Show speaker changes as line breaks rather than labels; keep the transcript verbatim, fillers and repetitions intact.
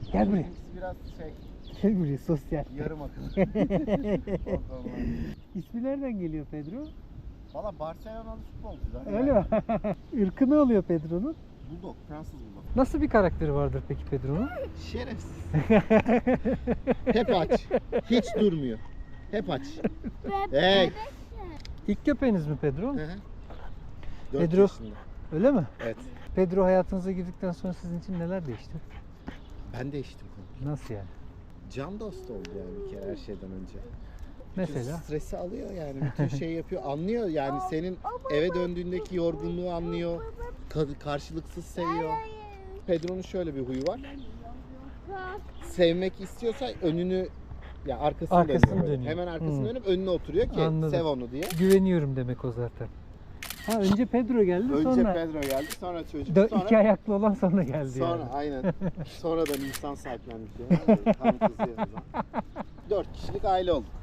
Gel buraya.
Bizimkisi biraz şey,
Gel buraya sosyal.
yarım akıllı.
İsmi nereden geliyor Pedro?
Valla Barcelona'lı futbolcu zaten.
Öyle mi? Irkı ne oluyor Pedro'nun?
Bulldog, Fransız Bulldog.
Nasıl bir karakteri vardır peki Pedro'nun?
Şerefsiz. Hep aç. Hiç durmuyor. Hep aç. Hey.
İlk köpeğiniz mi Pedro?
Hı hı. Dört
Pedro.
yaşında.
Öyle mi?
Evet.
Pedro hayatınıza girdikten sonra sizin için neler değişti?
Ben değiştim.
Nasıl yani?
Can dostu oldu yani bir kere her şeyden önce.
Mesela?
Bütün stresi alıyor yani. Bütün şey yapıyor. Anlıyor yani senin eve döndüğündeki yorgunluğu anlıyor. Ka- karşılıksız seviyor. Pedro'nun şöyle bir huyu var. Sevmek istiyorsa önünü ya arkasını,
Arkasını
dönüyor. böyle.
dönüyor.
Hemen arkasını
Hmm.
dönüp önüne oturuyor ki
Anladım.
sev onu diye.
Güveniyorum demek o zaten. Ha önce Pedro geldi
Önce
sonra
Pedro geldi, sonra çocuk,
dö-
sonra
iki ayaklı olan sonra geldi
sonra
yani.
aynen. Sonradan insan sahiplendik yani. Tam kızıyor o zaman. Dört kişilik aile olduk.